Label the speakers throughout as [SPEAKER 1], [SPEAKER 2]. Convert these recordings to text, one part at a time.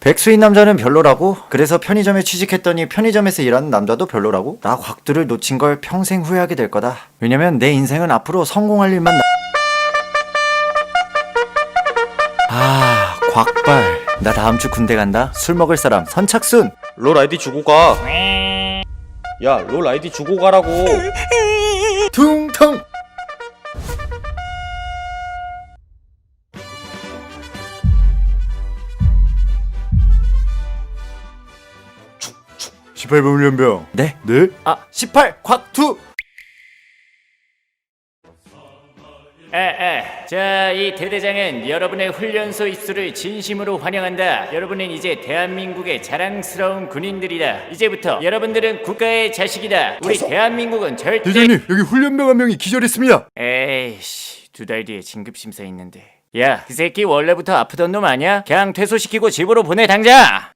[SPEAKER 1] 백수인 남자는 별로라고? 그래서 편의점에 취직했더니 편의점에서 일하는 남자도 별로라고? 나 곽두를 놓친 걸 평생 후회하게 될 거다. 왜냐면 내 인생은 앞으로 성공할 일만 곽발. 나 다음 주 군대 간다. 술 먹을 사람 선착순.
[SPEAKER 2] 롤 아이디 주고 가. 야, 롤 아이디 주고 가라고.
[SPEAKER 1] 퉁퉁. (18번) 훈련병. 네? 네? 18 곽두.
[SPEAKER 3] 자, 이 대대장은 여러분의 훈련소 입소를 진심으로 환영한다. 여러분은 이제 대한민국의 자랑스러운 군인들이다. 이제부터 여러분들은 국가의 자식이다. 우리 대한민국은 절대...
[SPEAKER 1] 대장님, 여기 훈련병 한 명이 기절했습니다.
[SPEAKER 3] 에이씨, 2달 뒤에 진급심사 있는데. 야, 그 새끼 원래부터 아프던 놈 아니야? 그냥 퇴소시키고 집으로 보내, 당장!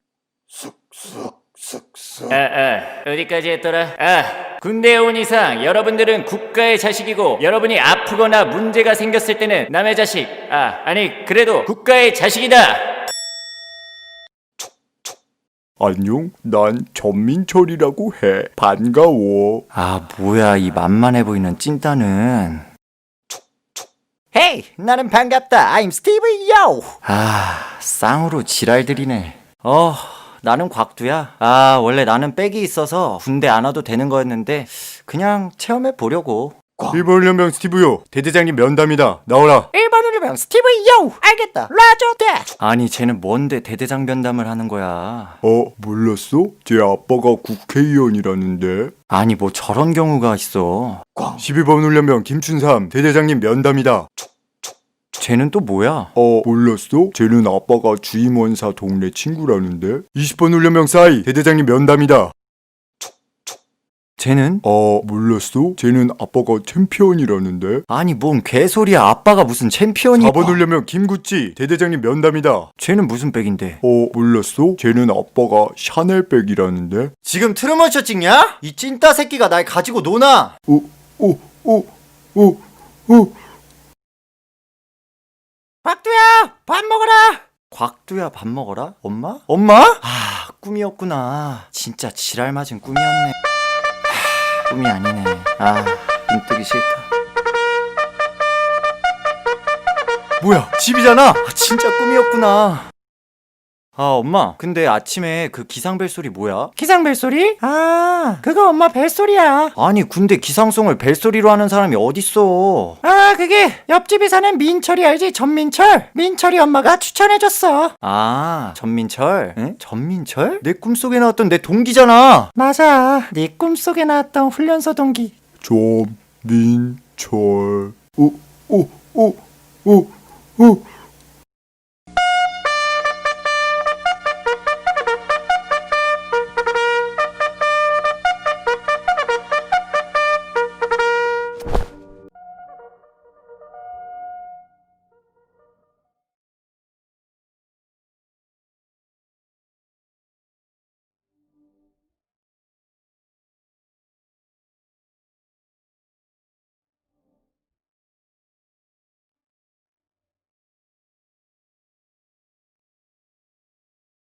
[SPEAKER 3] 어디까지 했더라? 군대에 온 이상 여러분들은 국가의 자식이고, 여러분이 아프거나 문제가 생겼을 때는 남의 자식, 아니 그래도 국가의 자식이다.
[SPEAKER 1] 안녕, 난 전민철이라고 해. 반가워. 뭐야 이 만만해 보이는 찐따는. 헤이, 나는 반갑다. I'm Steve Yo. 쌍으로 지랄들이네. 나는 곽두야. 원래 나는 백이 있어서 군대 안 와도 되는 거였는데 그냥 체험해 보려고. 1번 훈련병 스티브요. 대대장님 면담이다. 나오라. 1번 훈련병 스티브요. 알겠다. 라저 대. 아니 쟤는 뭔데 대대장 면담을 하는 거야. 몰랐어? 제 아빠가 국회의원이라는데. 아니 뭐 저런 경우가 있어. 12번 훈련병 김춘삼. 대대장님 면담이다. 쟤는 또 뭐야? 몰랐어? 쟤는 아빠가 주임원사 동네 친구라는데? 20번 훈련병 싸이. 대대장님 면담이다. 쟤는? 몰랐어? 쟤는 아빠가 챔피언이라는데? 아니 뭔 개소리야. 아빠가 무슨 챔피언이야. 4번 훈련병 김구찌. 대대장님 면담이다. 쟤는 무슨 백인데? 몰랐어? 쟤는 아빠가 샤넬백이라는데? 지금 트루먼쇼 찍냐? 이 찐따 새끼가 날 가지고 노나? 곽두야, 밥 먹어라. 곽두야, 밥 먹어라? 엄마? 엄마? 꿈이었구나. 진짜 지랄 맞은 꿈이었네. 꿈이 아니네. 눈 뜨기 싫다. 뭐야, 집이잖아. 진짜 꿈이었구나. 엄마, 근데 아침에 그 기상벨소리 뭐야? 기상벨소리? 그거 엄마 벨소리야. 아니 근데 기상송을 벨소리로 하는 사람이 어딨어. 그게 옆집에 사는 민철이 알지? 전민철. 민철이 엄마가 추천해줬어. 전민철? 응? 전민철? 내 꿈속에 나왔던 내 동기잖아. 맞아, 네 꿈속에 나왔던 훈련소 동기 전민철.